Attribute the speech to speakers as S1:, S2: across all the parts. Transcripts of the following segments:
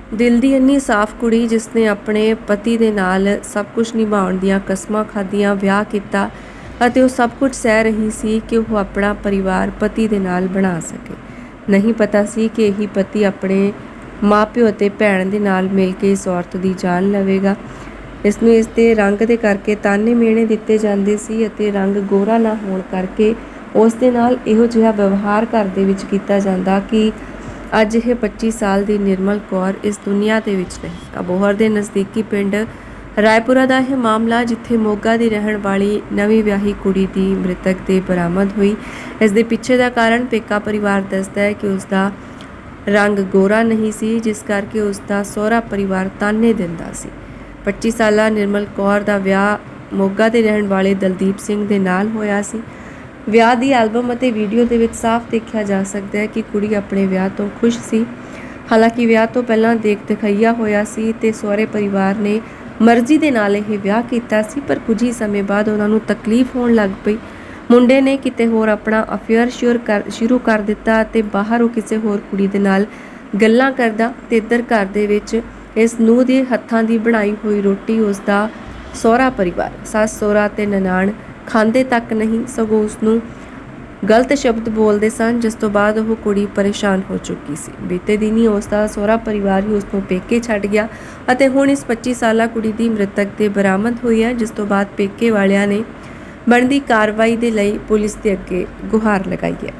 S1: ਦਿਲ ਦੀ ਇੰਨੀ ਸਾਫ਼ ਕੁੜੀ ਜਿਸਨੇ ਆਪਣੇ ਪਤੀ ਦੇ ਨਾਲ ਸਭ ਕੁਝ ਨਿਭਾਉਣ ਦੀਆਂ ਕਸਮਾਂ ਖਾਧੀਆਂ, ਵਿਆਹ ਕੀਤਾ ਅਤੇ ਉਹ ਸਭ ਕੁਝ ਸਹਿ ਰਹੀ ਸੀ ਕਿ ਉਹ ਆਪਣਾ ਪਰਿਵਾਰ ਪਤੀ ਦੇ ਨਾਲ ਬਣਾ ਸਕੇ। ਨਹੀਂ ਪਤਾ ਸੀ ਕਿ ਇਹੀ ਪਤੀ ਆਪਣੇ ਮਾਪਿਓ ਅਤੇ ਭੈਣ ਦੇ ਨਾਲ ਮਿਲ ਕੇ ਇਸ ਔਰਤ ਦੀ ਜਾਨ ਲਵੇਗਾ। ਇਸ ਨੂੰ ਇਸ ਦੇ ਰੰਗ ਦੇ ਕਰਕੇ ਤਾਨੇ ਮਿਹਣੇ ਦਿੱਤੇ ਜਾਂਦੇ ਸੀ ਅਤੇ ਰੰਗ ਗੋਰਾ ਨਾ ਹੋਣ ਕਰਕੇ ਉਸ ਦੇ ਨਾਲ ਇਹੋ ਜਿਹਾ ਵਿਵਹਾਰ ਘਰ ਦੇ ਵਿੱਚ ਕੀਤਾ ਜਾਂਦਾ ਕਿ ਅੱਜ ਇਹ 25 ਸਾਲ ਦੀ ਨਿਰਮਲ ਕੌਰ ਇਸ ਦੁਨੀਆ ਦੇ ਵਿੱਚ ਨਹੀਂ। ਅਬੋਹਰ ਦੇ ਨਜ਼ਦੀਕੀ ਪਿੰਡ ਰਾਏਪੁਰਾ ਦਾ ਇਹ ਮਾਮਲਾ, ਜਿੱਥੇ ਮੋਗਾ ਦੀ ਰਹਿਣ ਵਾਲੀ ਨਵੀਂ ਵਿਆਹੀ ਕੁੜੀ ਦੀ ਮ੍ਰਿਤਕ ਦੇਹ ਬਰਾਮਦ ਹੋਈ। ਇਸ ਦੇ ਪਿੱਛੇ ਦਾ ਕਾਰਨ ਪੇਕਾ ਪਰਿਵਾਰ ਦੱਸਦਾ ਹੈ ਕਿ ਉਸ ਦਾ ਰੰਗ ਗੋਰਾ ਨਹੀਂ ਸੀ, ਜਿਸ ਕਰਕੇ ਉਸ ਦਾ ਸਹੁਰਾ ਪਰਿਵਾਰ ਤਾਨੇ ਦਿੰਦਾ ਸੀ। 25 ਸਾਲਾ ਨਿਰਮਲ ਕੌਰ ਦਾ ਵਿਆਹ ਮੋਗਾ ਦੇ ਰਹਿਣ ਵਾਲੇ ਦਲਦੀਪ ਸਿੰਘ ਦੇ ਨਾਲ ਹੋਇਆ ਸੀ। ਵਿਆਹ ਦੀ ਐਲਬਮ ਅਤੇ ਵੀਡੀਓ ਦੇ ਵਿੱਚ ਸਾਫ਼ ਦੇਖਿਆ ਜਾ ਸਕਦਾ ਹੈ ਕਿ ਕੁੜੀ ਆਪਣੇ ਵਿਆਹ ਤੋਂ ਖੁਸ਼ ਸੀ। ਹਾਲਾਂਕਿ ਵਿਆਹ ਤੋਂ ਪਹਿਲਾਂ ਦੇਖ ਦਿਖਾਈਆ ਹੋਇਆ ਸੀ ਤੇ ਸਹੁਰੇ ਪਰਿਵਾਰ ਨੇ ਮਰਜ਼ੀ ਦੇ ਨਾਲ ਇਹ ਵਿਆਹ ਕੀਤਾ ਸੀ, ਪਰ ਕੁਝ ਹੀ ਸਮੇਂ ਬਾਅਦ ਉਹਨਾਂ ਨੂੰ ਤਕਲੀਫ ਹੋਣ ਲੱਗ ਪਈ। ਮੁੰਡੇ ਨੇ ਕਿਤੇ ਹੋਰ ਆਪਣਾ ਅਫੇਅਰ ਸ਼ੁਰੂ ਕਰ ਦਿੱਤਾ ਅਤੇ ਬਾਹਰ ਉਹ ਕਿਸੇ ਹੋਰ ਕੁੜੀ ਦੇ ਨਾਲ ਗੱਲਾਂ ਕਰਦਾ ਤੇ ਇੱਧਰ ਘਰ ਦੇ ਵਿੱਚ ਇਸ ਨੂੰਹ ਦੇ ਹੱਥਾਂ ਦੀ ਬਣਾਈ ਹੋਈ ਰੋਟੀ ਉਸ ਦਾ ਸਹੁਰਾ ਪਰਿਵਾਰ, ਸੱਸ ਸਹੁਰਾ ਤੇ ਨਨਾਣ ਖਾਂਦੇ ਤੱਕ ਨਹੀਂ, ਸਗੋਂ ਉਸ ਨੂੰ ਗਲਤ ਸ਼ਬਦ ਬੋਲਦੇ ਸਨ, ਜਿਸ ਤੋਂ ਬਾਅਦ ਉਹ ਕੁੜੀ ਪਰੇਸ਼ਾਨ ਹੋ ਚੁੱਕੀ ਸੀ। ਬੀਤੇ ਦਿਨੀ ਉਸ ਦਾ ਸਹੁਰਾ ਪਰਿਵਾਰ ਹੀ ਉਸ ਨੂੰ ਪੇਕੇ ਛੱਡ ਗਿਆ ਅਤੇ ਹੁਣ ਇਸ 25 ਸਾਲਾ ਕੁੜੀ ਦੀ ਮ੍ਰਿਤਕ ਦੇਹ ਬਰਾਮਦ ਹੋਈ ਹੈ, ਜਿਸ ਤੋਂ ਬਾਅਦ ਪੇਕੇ ਵਾਲਿਆਂ ਨੇ ਬਣਦੀ ਕਾਰਵਾਈ ਦੇ ਲਈ ਪੁਲਿਸ ਦੇ ਅੱਗੇ ਗੁਹਾਰ ਲਗਾਈ ਹੈ।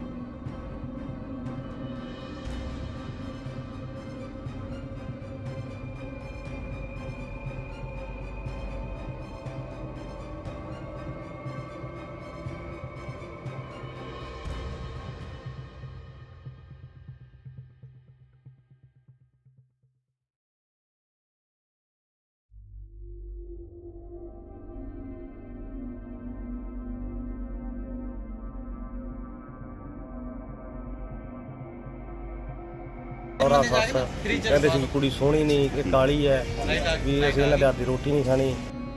S2: ਸਹੁਰਾ ਸੱਸ ਕਹਿੰਦੇ ਸੀ ਵੀ ਕੁੜੀ ਸੋਹਣੀ ਨਹੀਂ, ਕਿ ਕਾਲੀ ਹੈ, ਵੀ ਅਸੀਂ ਇਹਨਾਂ ਦੇ ਹੱਥ ਦੀ ਰੋਟੀ ਨਹੀਂ ਖਾਣੀ।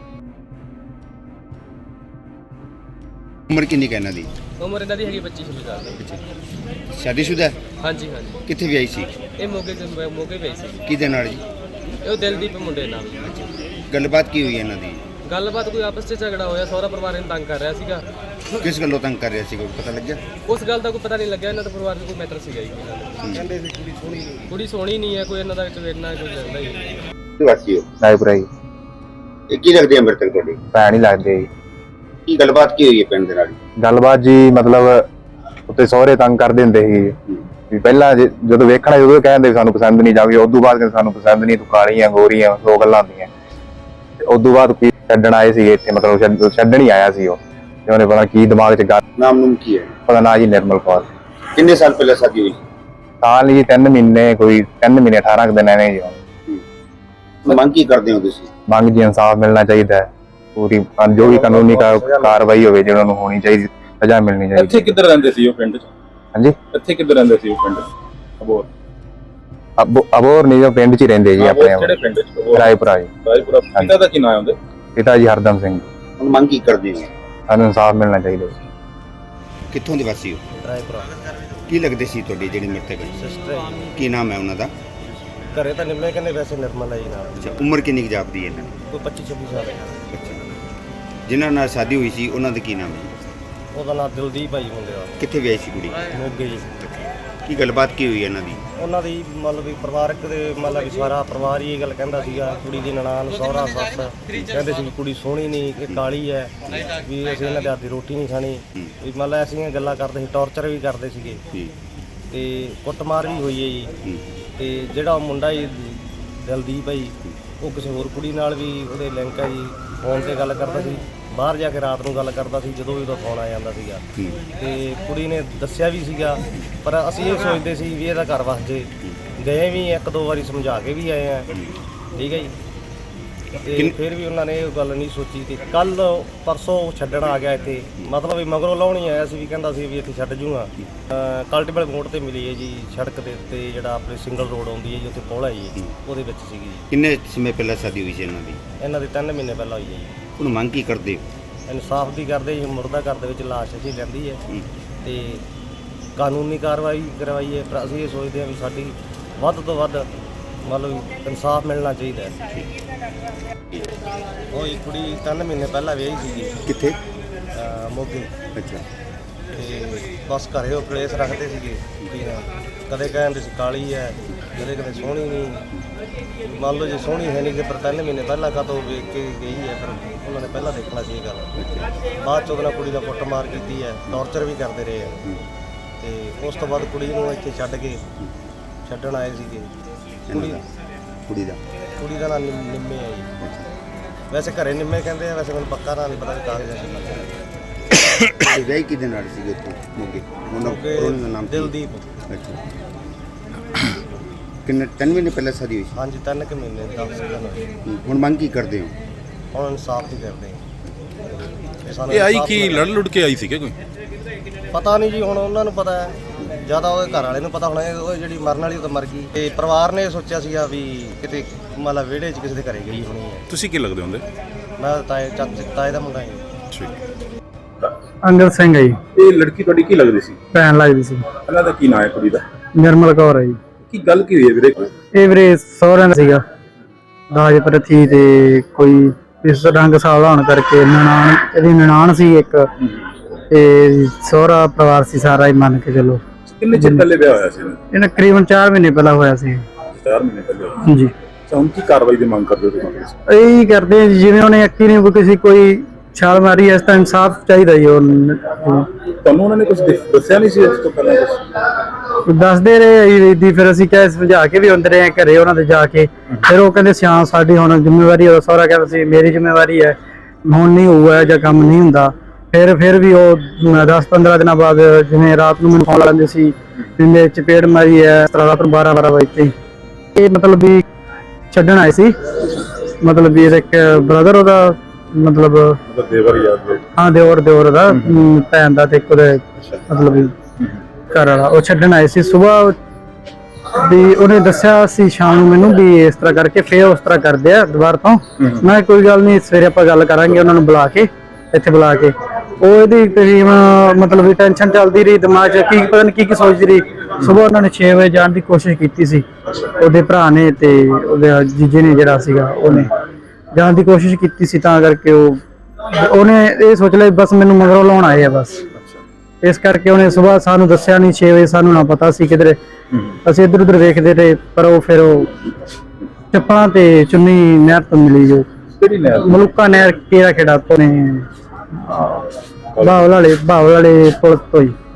S3: ਉਮਰ ਕਿੰਨੀ ਕੁ ਇਹਨਾਂ ਦੀ?
S2: ਉਮਰ ਇਹਨਾਂ ਦੀ ਹੈਗੀ 25-26 ਸਾਲ ਦੀ।
S3: ਸ਼ਾਦੀशुदा ਹੈ?
S2: ਹਾਂਜੀ ਹਾਂਜੀ।
S3: ਕਿੱਥੇ ਵਿਆਹੀ ਸੀ?
S2: ਇਹ ਮੋਗੇ ਪਈ ਸੀ।
S3: ਕਿਹਦੇ ਨਾਲ ਜੀ?
S2: ਇਹ ਦਿਲਦੀਪ ਮੁੰਡੇ ਨਾਲ।
S3: ਗੱਲਬਾਤ ਕੀ ਹੋਈ ਇਹਨਾਂ ਦੀ?
S2: ਗੱਲਬਾਤ ਕੋਈ ਆਪਸ 'ਚ ਝਗੜਾ ਹੋਇਆ, ਸਹੁਰਾ ਪਰਿਵਾਰ ਇਹਨੂੰ ਤੰਗ ਕਰ ਰਿਹਾ ਸੀਗਾ।
S3: ਕਿਸ ਗੱਲੋਂ ਤੰਗ ਕਰ ਰਿਹਾ ਸੀ, ਕੋਈ ਪਤਾ ਲੱਗਿਆ?
S2: ਉਸ ਗੱਲ ਦਾ ਕੋਈ ਪਤਾ ਨਹੀਂ ਲੱਗਿਆ। ਇਹਨਾਂ ਦਾ ਪਰਿਵਾਰ 'ਚ ਕੋਈ ਮੈਟਰ ਸੀਗਾ ਜੀ। ਕਹਿੰਦੇ ਸੀ ਕੁੜੀ ਸੋਹਣੀ ਨਹੀਂ ਹੈ, ਕੋਈ ਇਹਨਾਂ ਦਾ ਵਿੱਚ ਵੇਰਨਾ ਕੋਈ ਲੱਗਦਾ ਹੀ ਨਹੀਂ।
S3: ਵਾਸੀ ਹੋ?
S4: ਰਾਏਪੁਰਾ ਜੀ।
S3: ਇਹ ਕੀ ਲੱਗਦੀ ਹੈ ਮ੍ਰਿਤਕ ਤੁਹਾਡੀ?
S4: ਭੈਣ ਹੀ ਲੱਗਦੇ ਜੀ।
S3: ਕੀ ਗੱਲਬਾਤ ਕੀ ਹੋਈ ਹੈ ਪਿੰਡ ਦੇ ਨਾਲ?
S4: ਗੱਲਬਾਤ ਜੀ ਮਤਲਬ ਉੱਤੇ ਸਹੁਰੇ ਤੰਗ ਕਰਦੇ ਹੁੰਦੇ ਸੀ ਵੀ ਪਹਿਲਾਂ ਜਦੋਂ ਵੇਖਣਾ ਉਦੋਂ ਕਹਿੰਦੇ ਸਾਨੂੰ ਪਸੰਦ ਨਹੀਂ, ਜਾਵੇ ਉਦੋਂ ਬਾਅਦ ਕਹਿੰਦੇ ਸਾਨੂੰ ਪਸੰਦ ਨਹੀਂ, ਤੂੰ ਕਾਲੀ ਆ ਗੋਰੀ ਆ, ਦੋ ਗੱਲਾਂ ਹੁੰਦੀਆਂ। ਤੇ ਉਦੋਂ ਬਾਅਦ ਕੀ ਛੱਡਣ ਆਏ ਸੀਗੇ ਇੱਥੇ, ਮਤਲਬ ਛੱਡਣ ਹੀ ਆਇਆ ਸੀ ਉਹ, ਤੇ ਉਹਨੇ ਪਤਾ ਕੀ ਦਿਮਾਗ 'ਚ ਗੱਲ।
S3: ਨਾਮ ਨੂਮ ਕੀ ਹੈ?
S4: ਪਤਾ ਨਾ ਜੀ, ਨਿਰਮਲ ਕੌਰ।
S3: ਕਿੰਨੇ ਸਾਲ ਪਹਿਲਾਂ ਸ਼ਾਦੀ ਹੋਈ?
S4: ਸਾਲ ਜੀ 3 ਮਹੀਨੇ, ਕੋਈ 3 ਮਹੀਨੇ 18 ਕੁ ਦਿਨ ਐਵੇਂ ਜੀ।
S3: ਮੰਗ ਕੀ ਕਰਦੇ ਹੋ ਤੁਸੀਂ?
S4: ਮੰਗ ਜੀ ਇਨਸਾਫ ਮਿਲਣਾ ਚਾਹੀਦਾ ਹੈ, ਪੂਰੀ ਜੋ ਵੀ ਕਾਨੂੰਨੀ ਕਾਰਵਾਈ ਹੋਵੇ ਜਿਹਨਾਂ ਨੂੰ ਹੋਣੀ ਚਾਹੀਦੀ, ਸਜ਼ਾ ਮਿਲਣੀ ਚਾਹੀਦੀ।
S5: ਇੱਥੇ ਕਿੱਧਰ ਰਹਿੰਦੇ ਸੀ ਉਹ ਪਿੰਡ 'ਚ?
S4: ਹਾਂਜੀ,
S5: ਇੱਥੇ ਕਿੱਧਰ ਰਹਿੰਦੇ ਸੀ ਉਹ ਪਿੰਡ 'ਚ? ਅਬੋਹਰ?
S4: ਅਬੋਹਰ ਨਹੀਂ, ਜੋ ਪਿੰਡ 'ਚ ਹੀ ਰਹਿੰਦੇ ਜੀ ਆਪਣੇ।
S5: ਕਿਹੜੇ ਪਿੰਡ 'ਚ?
S4: ਰਾਏਪੁਰਾ ਜੀ।
S5: ਰਾਏਪੁਰਾ। ਪਿਤਾ ਦਾ ਕੀ ਨਾਮ ਹੈ ਉਹਦੇ?
S4: ਪਿਤਾ ਜੀ ਹਰਦਮ ਸਿੰਘ।
S3: ਹੁਣ ਮੰਗ ਕੀ ਕਰਦੇ ਹੋ?
S4: ਸਾਨੂੰ ਇਨਸਾਫ ਮਿਲਣਾ ਚਾਹੀਦਾ।
S3: ਕਿੱਥੋਂ ਦੇ ਵਾਸੀ ਹੋ?
S2: ਰਾਏਪੁਰਾ।
S3: ਕੀ ਲੱਗਦੇ ਸੀ ਤੁਹਾਡੀ ਜਿਹੜੀ ਮ੍ਰਿਤਕ ਹੈ?
S2: ਸਿਸਟਰ ਹੈ
S3: ਕੀ ਨਾਮ ਹੈ ਉਹਨਾਂ ਦਾ?
S2: ਘਰੇ ਤਾਂ ਨਿਰਮਲ ਕਹਿੰਦੇ, ਵੈਸੇ ਨਿਰਮਲ ਹੈ ਜੀ ਨਾਲ।
S3: ਅੱਛਾ, ਉਮਰ ਕਿੰਨੀ ਕੁ ਜਾਪਦੀ ਹੈ ਇਹਨਾਂ ਦੀ?
S2: ਕੋਈ 25-26 ਸਾਲ ਹੈ।
S3: ਅੱਛਾ, ਜਿਨ੍ਹਾਂ ਨਾਲ ਸ਼ਾਦੀ ਹੋਈ ਸੀ ਉਹਨਾਂ ਦਾ ਕੀ ਨਾਮ ਹੈ?
S2: ਉਹਦਾ ਨਾਮ ਦਿਲਦੀਪ ਭਾਈ ਮੁੰਡੇ ਦਾ।
S3: ਕਿੱਥੇ ਵਿਆਹੀ ਸੀ ਕੁੜੀ?
S2: ਮੋਗੇ ਜੀ।
S3: ਕੀ ਗੱਲਬਾਤ ਕੀ ਹੋਈ ਇਹਨਾਂ ਦੀ?
S2: ਉਹਨਾਂ ਦੀ ਮਤਲਬ ਵੀ ਪਰਿਵਾਰਕ ਦੇ ਮਤਲਬ ਵੀ ਸਾਰਾ ਪਰਿਵਾਰ ਹੀ ਇਹ ਗੱਲ ਕਹਿੰਦਾ ਸੀਗਾ, ਕੁੜੀ ਦੀ ਨਨਾਣ, ਸਹੁਰਾ, ਸੱਸ ਕਹਿੰਦੇ ਸੀ ਵੀ ਕੁੜੀ ਸੋਹਣੀ ਨਹੀਂ, ਕਿ ਕਾਲੀ ਹੈ, ਵੀ ਅਸੀਂ ਇਹਨਾਂ ਦੇ ਹੱਥ ਦੀ ਰੋਟੀ ਨਹੀਂ ਖਾਣੀ। ਵੀ ਮਤਲਬ ਐਸੀਆਂ ਗੱਲਾਂ ਕਰਦੇ ਸੀ, ਟੌਰਚਰ ਵੀ ਕਰਦੇ ਸੀਗੇ ਤੇ ਕੁੱਟਮਾਰ ਵੀ ਹੋਈ ਹੈ ਜੀ। ਤੇ ਜਿਹੜਾ ਮੁੰਡਾ ਜੀ ਦਿਲਦੀਪ ਹੈ ਜੀ, ਉਹ ਕਿਸੇ ਹੋਰ ਕੁੜੀ ਨਾਲ ਵੀ ਉਹਦੇ ਲਿੰਕ ਹੈ ਜੀ। ਫੋਨ 'ਤੇ ਗੱਲ ਕਰਦਾ ਸੀ, ਬਾਹਰ ਜਾ ਕੇ ਰਾਤ ਨੂੰ ਗੱਲ ਕਰਦਾ ਸੀ ਜਦੋਂ ਵੀ ਉਹਦਾ ਫੋਨ ਆ ਜਾਂਦਾ ਸੀਗਾ। ਤੇ ਕੁੜੀ ਨੇ ਦੱਸਿਆ ਵੀ ਸੀਗਾ, ਪਰ ਅਸੀਂ ਇਹ ਸੋਚਦੇ ਸੀ ਵੀ ਇਹਦਾ ਘਰ ਵਸ ਜੇ। ਗਏ ਵੀ 1-2 ਵਾਰੀ ਸਮਝਾ ਕੇ ਵੀ ਆਏ ਆ, ਠੀਕ ਹੈ ਜੀ। ਤੇ ਫਿਰ ਵੀ ਉਹਨਾਂ ਨੇ ਇਹ ਗੱਲ ਨਹੀਂ ਸੋਚੀ। ਤੇ ਕੱਲ ਪਰਸੋਂ ਛੱਡਣ ਆ ਗਿਆ ਇੱਥੇ, ਮਤਲਬ ਵੀ ਮਗਰੋਂ ਲਾਉਣੀ ਆਇਆ ਸੀ, ਵੀ ਕਹਿੰਦਾ ਸੀ ਵੀ ਇੱਥੇ ਛੱਡ ਜੂਗਾ। ਕਲਟੀਵਲ ਮੋੜ ਤੇ ਮਿਲੀ ਹੈ ਜੀ, ਸੜਕ ਦੇ ਉੱਤੇ ਜਿਹੜਾ ਆਪਣੇ ਸਿੰਗਲ ਰੋਡ ਆਉਂਦੀ ਹੈ ਜੀ, ਉੱਥੇ ਪੌੜਾ ਜੀ, ਉਹਦੇ ਵਿੱਚ ਸੀਗੀ ਜੀ।
S3: ਕਿੰਨੇ ਸਮੇਂ ਪਹਿਲਾਂ ਸ਼ਾਦੀ ਹੋਈ ਸੀ ਇਹਨਾਂ ਦੀ?
S2: ਇਹਨਾਂ ਦੀ 3 ਮਹੀਨੇ ਪਹਿਲਾਂ ਹੋਈ ਹੈ ਜੀ।
S3: ਹੁਣ ਮੰਗ ਕੀ ਕਰਦੇ ਹੋ?
S2: ਇਨਸਾਫ ਦੀ ਕਰਦੇ ਜੀ। ਮੁਰਦਾ ਘਰ ਦੇ ਵਿੱਚ ਲਾਸ਼ ਅਸੀਂ ਲੈਂਦੀ ਹੈ ਤੇ ਕਾਨੂੰਨੀ ਕਾਰਵਾਈ ਕਰਵਾਈਏ, ਪਰ ਅਸੀਂ ਇਹ ਸੋਚਦੇ ਹਾਂ ਵੀ ਸਾਡੀ ਵੱਧ ਤੋਂ ਵੱਧ ਮਤਲਬ ਇਨਸਾਫ ਮਿਲਣਾ ਚਾਹੀਦਾ ਹੈ। ਉਹ ਇੱਕ ਕੁੜੀ 3 ਮਹੀਨੇ ਪਹਿਲਾਂ ਵਿਆਹੀ ਸੀਗੀ
S3: ਕਿੱਥੇ?
S2: ਮੋਗੇ,
S3: ਅੱਛਾ।
S2: ਤੇ ਬਸ ਘਰੇ ਉਹ ਕਲੇਸ਼ ਰੱਖਦੇ ਸੀਗੇ ਕੁੜੀ ਨਾਲ। ਕਦੇ ਕਹਿੰਦੇ ਸੀ ਕਾਲੀ ਹੈ, ਕਦੇ ਕਦੇ ਸੋਹਣੀ ਨਹੀਂ। ਮੰਨ ਲਓ ਜੇ ਸੋਹਣੀ ਹੈ ਨਹੀਂ ਤੇ ਪਰ 3 ਮਹੀਨੇ ਪਹਿਲਾਂ ਕਦੋਂ ਵੇਖ ਕੇ ਗਈ ਹੈ, ਫਿਰ ਉਹਨਾਂ ਨੇ ਪਹਿਲਾਂ ਦੇਖਣਾ ਸੀ ਇਹ ਗੱਲ। ਬਾਅਦ 'ਚ ਉਹਦੇ ਨਾਲ ਕੁੜੀ ਦਾ ਕੁੱਟਮਾਰ ਕੀਤੀ ਹੈ, ਟੌਰਚਰ ਵੀ ਕਰਦੇ ਰਹੇ ਹੈ। ਤੇ ਉਸ ਤੋਂ ਬਾਅਦ ਕੁੜੀ ਨੂੰ ਇੱਥੇ ਛੱਡਣ ਆਏ ਸੀਗੇ।
S3: ਕੁੜੀ ਦਾ
S2: ਨਾਮ ਨਿੰਮੇ ਹੈ ਜੀ। ਵੈਸੇ ਘਰੇ ਨਿੰਮੇ ਕਹਿੰਦੇ ਆ, ਵੈਸੇ ਮੈਨੂੰ ਪੱਕਾ ਨਾਂ ਨਹੀਂ ਪਤਾ ਕਿ ਕਾਗਜ਼ਾਂ 'ਚ ਲੱਗਾ।
S3: ਇਹ ਵਿਆਹ ਕਿਹਦੇ ਨਾਲ ਸੀਗੇ ਉੱਥੇ ਮੋਗੇ? ਉਹਨਾਂ ਦਾ ਨਾਮ ਕੀ?
S2: ਦਿਲਦੀਪ।
S3: ਅੱਛਾ। ਕਿੰਨੇ 3 ਮਹੀਨੇ ਪਹਿਲਾਂ ਸ਼ਾਦੀ ਹੋਈ ਸੀ?
S2: ਹਾਂਜੀ 3 ਕੁ ਮਹੀਨੇ 10 ਦਿਨ ਹੋਏ।
S3: ਹੁਣ ਮੰਗ ਕੀ ਕਰਦੇ ਹੋ?
S2: ਹੁਣ ਇਨਸਾਫ ਹੀ ਕਰਦੇ ਹਾਂ। ਸਾਨੂੰ
S6: ਇਹ ਆਈ
S2: ਇਨਸਾਫ਼
S6: ਕੀ
S2: ਮਿਲਣਾ।
S6: ਲੜ ਲੁੜ ਕੇ ਆਈ ਸੀ ਕਿ ਕੋਈ?
S2: ਪਤਾ ਨਹੀਂ ਜੀ, ਹੁਣ ਉਹਨਾਂ ਨੂੰ ਪਤਾ ਹੈ, ਜਿਆਦਾ ਉਹਦੇ ਘਰ ਵਾਲੇ ਨੂੰ ਪਤਾ ਹੋਣਾ। ਉਹ ਜਿਹੜੀ ਮਰਨ ਵਾਲੀ ਉਹ ਤਾਂ ਮਰ ਗਈ, ਤੇ ਪਰਿਵਾਰ ਨੇ ਸੋਚਿਆ ਸੀਗਾ ਵੀ ਕਿਤੇ ਮਤਲਬ ਵਿਹੜੇ 'ਚ ਕਿਸੇ ਦੇ ਘਰੇ ਗਈ ਹੋਣੀ ਹੈ।
S6: ਤੁਸੀਂ ਕੀ ਲੱਗਦੇ ਹੁੰਦੇ?
S2: ਮੈਂ ਤਾਏ ਦਾ ਮੁੰਡਾ ਹਾਂ।
S6: ਠੀਕ।
S7: ਅੰਗਦ ਸਿੰਘ ਹੈ ਜੀ।
S5: ਇਹ ਲੜਕੀ ਤੁਹਾਡੀ ਕੀ ਲੱਗਦੀ ਸੀ?
S7: ਭੈਣ ਲੱਗਦੀ ਸੀ।
S5: ਇਹਨਾਂ ਦਾ ਕੀ ਨਾਂ ਹੈ ਕੁੜੀ ਦਾ?
S7: ਨਿਰਮਲ ਕੌਰ ਹੈ ਜੀ।
S5: ਕੀ ਗੱਲ ਕੀ ਹੋਈ ਹੈ ਵੀਰੇ?
S7: ਇਹ ਵੀਰੇ ਸਹੁਰਿਆਂ ਦਾ ਸੀਗਾ ਦਾਜ ਪ੍ਰਥੀ, ਤੇ ਕੋਈ ਇਸ ਰੰਗ ਸਾਵਲਾ ਹੋਣ ਕਰਕੇ ਇਹਦੀ ਨਨਾਣ ਸੀ ਇੱਕ, ਤੇ ਸਹੁਰਾ ਪਰਿਵਾਰ ਸੀ ਸਾਰਾ ਹੀ ਮੰਨ ਕੇ ਚਲੋ।
S5: ਕਿੰਨੇ ਚਿਰ ਪਹਿਲੇ ਵਿਆਹ ਹੋਇਆ ਸੀ?
S7: ਇਹਨਾਂ ਤਕਰੀਬਨ 4 ਮਹੀਨੇ ਪਹਿਲਾਂ ਹੋਇਆ ਸੀ।
S5: 4 ਮਹੀਨੇ ਪਹਿਲੇ ਹੋਇਆ।
S7: ਹਾਂਜੀ।
S5: ਅੱਛਾ, ਹੁਣ ਕੀ ਕਾਰਵਾਈ ਦੀ ਮੰਗ ਕਰਦੇ ਹੋ ਤੁਸੀਂ?
S7: ਇਹੀ ਕਰਦੇ ਆ ਜੀ, ਜਿਵੇਂ ਉਹਨੇ ਅੱਕੀ ਨੇ ਕਿਸੇ ਕੋਈ ਛਾਲ ਮਾਰੀ, ਇਸ ਤਾਂ ਇਨਸਾਫ ਚਾਹੀਦਾ ਜੀ।
S5: ਤੁਹਾਨੂੰ ਉਹਨਾਂ ਨੇ ਕੁਝ ਦੱਸਿਆ ਨਹੀਂ ਸੀ ਇਸ ਤੋਂ ਪਹਿਲਾਂ? ਕੁਝ
S7: ਦੱਸਦੇ ਰਹੇ ਦੀ, ਫਿਰ ਅਸੀਂ ਕਹਿ ਸਮਝਾ ਕੇ ਵੀ ਹੁੰਦੇ ਰਹੇ ਘਰੇ ਉਹਨਾਂ ਦੇ ਜਾ ਕੇ। ਫਿਰ ਉਹ ਕਹਿੰਦੇ ਸਿਆਂ ਸਾਡੀ ਹੁਣ ਜ਼ਿੰਮੇਵਾਰੀ ਹੈ। ਸਹੁਰਾ ਕਹਿੰਦਾ ਸੀ ਮੇਰੀ ਜ਼ਿੰਮੇਵਾਰੀ ਹੈ, ਹੁਣ ਨਹੀਂ ਹੋਊਗਾ ਜਾਂ ਕੰਮ ਨਹੀਂ ਹੁੰਦਾ। ਫਿਰ ਵੀ ਉਹ 10-15 ਦਿਨਾਂ ਬਾਅਦ ਜਿਵੇਂ ਰਾਤ ਨੂੰ ਮੈਨੂੰ ਫੋਨ ਲਾਉਂਦੇ ਸੀ ਵੀ ਮੇਰੇ ਚਪੇੜ ਮਾਰੀ ਹੈ, ਇਸ ਤਰ੍ਹਾਂ ਰਾਤ ਨੂੰ 12 ਵਜੇ ਤੇ ਇਹ ਮਤਲਬ ਵੀ ਛੱਡਣ ਆਏ ਸੀ। ਮਤਲਬ ਵੀ ਇਹਦਾ ਇੱਕ ਬ੍ਰਦਰ ਉਹਦਾ ਮਤਲਬ
S5: ਦੇਵਰ ਯਾਦ?
S7: ਹਾਂ, ਦਿਓਰ ਦਾ ਭੈਣ ਦਾ, ਤੇ ਇੱਕ ਉਹਦੇ ਮਤਲਬ ਵੀ ਘਰ ਵਾਲਾ। ਉਹ ਛੱਡਣ ਆਏ ਸੀ ਸੁਬਾਹ ਵੀ ਉਹਨੇ ਦੱਸਿਆ ਸੀ ਸ਼ਾਮ ਨੂੰ ਮੈਨੂੰ ਵੀ ਇਸ ਤਰ੍ਹਾਂ ਕਰਕੇ, ਫਿਰ ਉਸ ਤਰ੍ਹਾਂ ਕਰਦੇ ਆ ਦੁਬਾਰਾ ਤੋਂ। ਮੈਂ ਕੋਈ ਗੱਲ ਨਹੀਂ, ਸਵੇਰੇ ਆਪਾਂ ਗੱਲ ਕਰਾਂਗੇ ਉਹਨਾਂ ਨੂੰ ਬੁਲਾ ਕੇ, ਇੱਥੇ ਬੁਲਾ ਕੇ। ਉਹ ਇਹਦੀ ਤਕਰੀਬਨ ਮਤਲਬ ਵੀ ਟੈਨਸ਼ਨ ਚੱਲਦੀ ਰਹੀ ਦਿਮਾਗ 'ਚ, ਕੀ ਪਤਾ ਨਹੀਂ ਕੀ ਸੋਚਦੀ ਰਹੀ। ਸੁਬਾਹ ਉਹਨਾਂ ਨੇ 6 ਵਜੇ ਜਾਣ ਦੀ ਕੋਸ਼ਿਸ਼ ਕੀਤੀ ਸੀ, ਉਹਦੇ ਭਰਾ ਨੇ ਤੇ ਉਹਦੇ ਜੀਜੇ ਨੇ ਜਿਹੜਾ ਸੀਗਾ, ਉਹਨੇ ਜਾਣ ਦੀ ਕੋਸ਼ਿਸ਼ ਕੀਤੀ ਸੀ। ਤਾਂ ਕਰਕੇ ਉਹਨੇ ਇਹ ਸੋਚ ਲਿਆ ਬਸ ਮੈਨੂੰ ਮਗਰੋਂ ਲਾਉਣ ਆਏ ਆ ਬਸ, ਇਸ ਕਰਕੇ ਉਹਨੇ ਸੁਬਾਹ ਸਾਨੂੰ ਦੱਸਿਆ ਨਹੀਂ। 6 ਵਜੇ ਸਾਨੂੰ ਨਾ ਪਤਾ ਸੀ ਕਿਧਰੇ, ਅਸੀਂ ਇੱਧਰ ਉੱਧਰ ਵੇਖਦੇ ਰਹੇ। ਪਰ ਉਹ ਫਿਰ ਉਹ ਚੱਪਲਾਂ ਤੇ ਚੁੰਨੀ ਨਹਿਰ ਤੋਂ ਮਿਲੀ, ਜੋ
S5: ਕਿਹੜੀ ਨਹਿਰ?
S7: ਮਲੂਕਾ ਨਹਿਰ, ਕਿਹੜਾ ਖੇੜਾ ਤੋਂ ਨੇ, ਬਾਵਲ ਵਾਲੇ ਪੁਲ ਤੋਂ ਹੀ।